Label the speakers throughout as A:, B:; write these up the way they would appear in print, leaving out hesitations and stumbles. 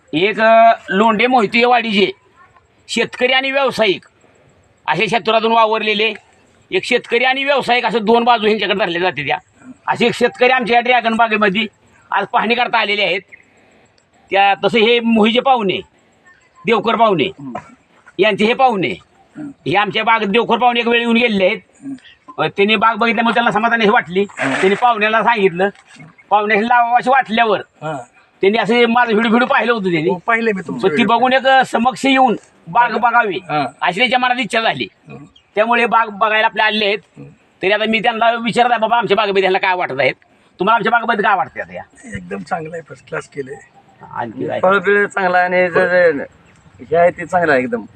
A: एक लोंढे मोहिते वाडीचे शेतकरी आणि व्यावसायिक असे क्षेत्रातून वावरलेले एक शेतकरी आणि व्यावसायिक असं दोन बाजू ह्यांच्याकडे धरले जाते त्या असे एक शेतकरी आमच्या या ड्रॅगन बागेमध्ये आज पाहणी करता आलेले आहेत. त्या तसं हे मोहीचे पाहुणे देवकर पाहुणे यांचे हे पाहुणे हे आमच्या बाग देवकर पाहुणे एक वेळ येऊन गेलेले आहेत. त्यांनी बाग बघितल्यामुळे त्यांना समाधान हे वाटली. त्यांनी पाहुण्याला सांगितलं, पाहुण्याशी लावावं अशी वाटल्यावर त्यांनी असे माझं व्हिडिओ पाहिलं होतं त्यांनी
B: पाहिले मी तुमचं
A: ती बघून एक समक्ष येऊन बाग बघावी अशी त्यांच्या मनात इच्छा झाली. त्यामुळे बाग बघायला आपले आलेले आहेत. तरी आता मी त्यांना विचारत आहे, बाबा आमच्या बागेमध्ये त्यांना काय वाटत आहेत, तुम्हाला आमच्या बागेमध्ये काय वाटते आता? या
B: एकदम चांगलं आहे, फर्स्ट क्लास केले.
A: आणखी काय
C: फळबिळ चांगला आहे आणि जे आहे ते चांगलं आहे एकदम.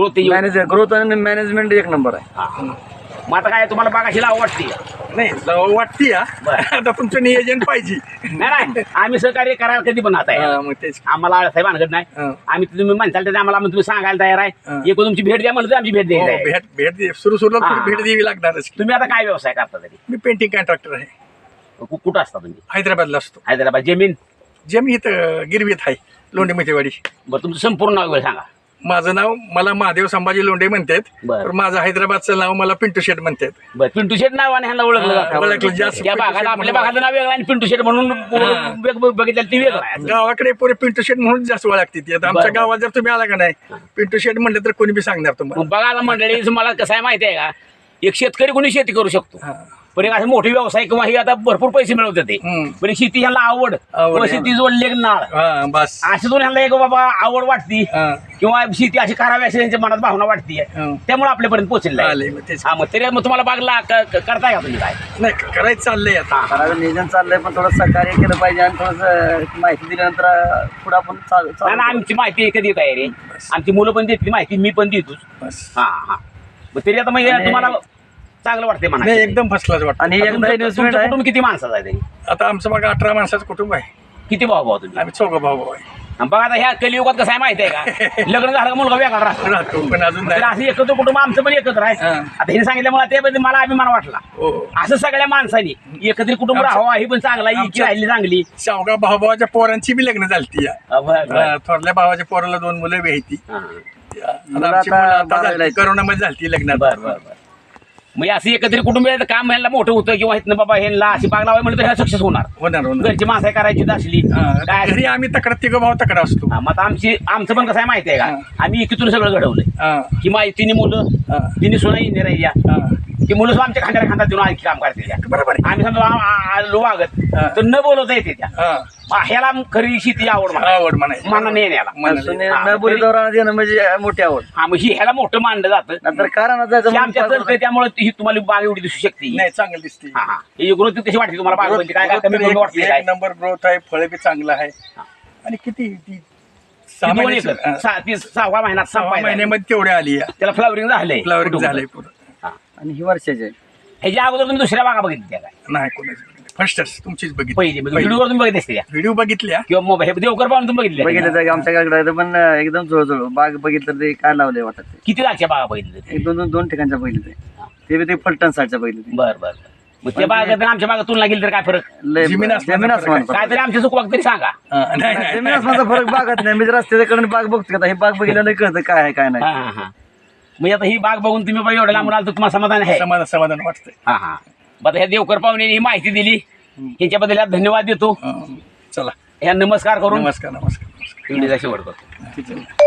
C: ग्रोथ आणि मॅनेजमेंट एक नंबर आहे.
A: मग आता काय तुम्हाला बागाशी लावं वाटते?
B: नाही वाटते आता तुमचं नियोजन पाहिजे.
A: नाही आम्ही सहकार्य करायला कधी पण आता आहे.
B: मग तेच
A: आम्हाला साहेब आणत नाही. आम्ही तुम्ही म्हणताल तर आम्हाला तुम्ही सांगायला तयार आहे. एक तुमची भेट द्या म्हणलं तर आमची भेट द्यायची आहे.
B: भेट सुरुला भेट द्यावी लागणारच.
A: तुम्ही आता काय व्यवसाय करता तरी?
B: मी पेंटिंग कॉन्ट्रॅक्टर आहे.
A: कुठं असता तुम्ही?
B: हैदराबादला असतो.
A: हैदराबाद. जमीन
B: इथं गिरवीत आहे, लोंढे मोहितेवाडी.
A: बरं तुमचं संपूर्ण नाव सांगा.
B: माझं नाव मला महादेव संभाजी लोंढे म्हणतात.
A: बरं.
B: माझं हैदराबादचं नाव मला पिंटू शेट म्हणतात.
A: बरं पिंटू शेट नावाने ह्यांना ओळखलं जातं.
B: ओळखलं जास्त.
A: त्या भागात आपल्या भागाचं नाव वेगळं आणि पिंटू शेट म्हणून बघितलं ती वेगळं आहे.
B: गावाकडे पुरे पिंटू शेट म्हणून जास्त ओळखते. आता आमच्या गावात जर तुम्ही आला का नाही पिंटू शेट म्हणलं तर कोणी बी सांगणार तुम्हाला.
A: बघा आता मंडळी मला कसं आहे माहिती आहे का, एक शेतकरी कोणी शेती करू शकतो पण एक असे मोठे व्यवसाय किंवा हे आता भरपूर पैसे मिळवते ते पण शेती ह्याला आवड किंवा शेती जोडले नाळ
B: बस
A: असे दोन ह्याला एक बाबा आवड वाटती किंवा शेती अशी करावी अशी त्यांच्या मनात भावना वाटते. त्यामुळे आपल्यापर्यंत पोहोचले. मग तरी मग तुम्हाला बागला करताय का तुम्ही? काय
B: नाही करायचं चाललंय आता.
C: करायचं नियोजन चाललंय पण थोडं सहकार्य केलं पाहिजे आणि थोडंसं माहिती दिल्यानंतर पुढे आपण
A: आमची माहिती कधी येत आहे रे. आमची मुलं पण देतील माहिती, मी पण देतोच. हा मग तरी आता मग तुम्हाला चांगलं वाटते म्हणा?
B: एकदम फर्स्ट क्लास वाटतं.
C: आणि
A: तुमचं कुटुंब किती माणसाचं आहे?
B: आता आमचं बघा 18 माणसाचं कुटुंब आहे.
A: किती भाऊ तुम्ही?
B: आम्ही 4 भाऊ आहे.
A: बघा आता ह्या कलियुगात कसं आहे माहिती आहे का, लग्न झालं का मुलगा वेगळा राहतो
B: पण अजून
A: तर असं एकत्र कुटुंब आमचं पण एकत्र आहे. आता हे सांगितल्यामुळे त्याबद्दल मला अभिमान वाटला. असं सगळ्या माणसांनी एकत्रित कुटुंब राहावं ही पण चांगला इतकी राहिली चांगली.
B: शावगा भावाच्या पोरांची बी लग्न झालती. थोरल्या भावाच्या पोराला 2 मुलं बी आहेत. करोनामध्ये झालती लग्न.
A: बरं मग असं एकत्रित कुटुंब काम ह्यांना मोठं होतं किंवा इथनं बाबा ह्यांना अशी बाग लावाय म्हणलं तर ह्या सक्सेस होणार. घरची माणसं करायची असली
B: घरी आम्ही तक्रार 3 भाऊ तक्रार असतो.
A: मग आमचं पण कसं आहे माहिती आहे का, आम्ही एकीतून सगळं घडवलंय की तिने मुलं तिने सोना इंजिनियर ती मुलं सुद्धा आमच्या खांद्याला खांदा देऊन आणखी काम करते.
B: बरोबर.
A: आम्ही समजा वागत तर न बोलवता येते त्या ह्याला खरी शेती आवड
B: म्हणायची
A: मना नेण्याला
C: न बोली दौरान देणं म्हणजे मोठी आवड.
A: मग ही ह्याला मोठं मानलं जातं.
C: नंतर कारण
A: आमच्या चलतंय त्यामुळे ही तुम्हाला बाग एवढी दिसू शकते.
B: नाही चांगली दिसते.
A: ही ग्रोथ कशी वाटते तुम्हाला बाग? म्हणजे काय कमी वाटते?
B: 1 नंबर ग्रोथ आहे, फळ बी चांगलं आहे. आणि किती 6
A: महिन्यात
B: 6 महिन्यामध्ये तेवढे आली.
A: त्याला फ्लावरिंग झालंय.
B: फ्लावरिंग झालंय पुढं.
C: आणि ही वर्षाचे
A: ह्याच्या अगोदर तुम्ही दुसऱ्या बागा बघितल्या काय?
B: नाही कोणाची फर्स्टच तुमचीच बघितली.
A: पहिली व्हिडिओवर तुम्ही बघितले असते
B: व्हिडिओ बघितल्या
A: किंवा मोबाईल देवकर पाहून तुम्ही
C: बघितलं आमच्याकडे पण एकदम जवळ बाग बघितलं ते काय लावलंय वाटत.
A: किती जागच्या बागा बघितल्या?
C: 2 ठिकाणच्या बघितले ते फलटण साईडच्या बघितले.
A: बरं मग त्या बागात आमच्या बागात तुलना केली तर काय फरक?
C: जमीन
A: काय तरी आमच्या चुकवाक तरी सांगा.
C: जमीन आसमानचा फरक बागत नाही. मी रस्त्याकडे बाग बघतो का, हे बाग बघितलं कळतं काय आहे काय नाही.
A: म्हणजे आता ही बाग बघून तुम्ही एवढ्या लांबून आला तर तुम्हाला समाधान आहे?
B: समाधान वाटतंय.
A: आता ह्या देवकर पाहुणे ही माहिती दिली ह्याच्याबद्दल धन्यवाद देतो.
B: चला
A: ह्या नमस्कार करून
B: नमस्कार.
A: शेवट करतो.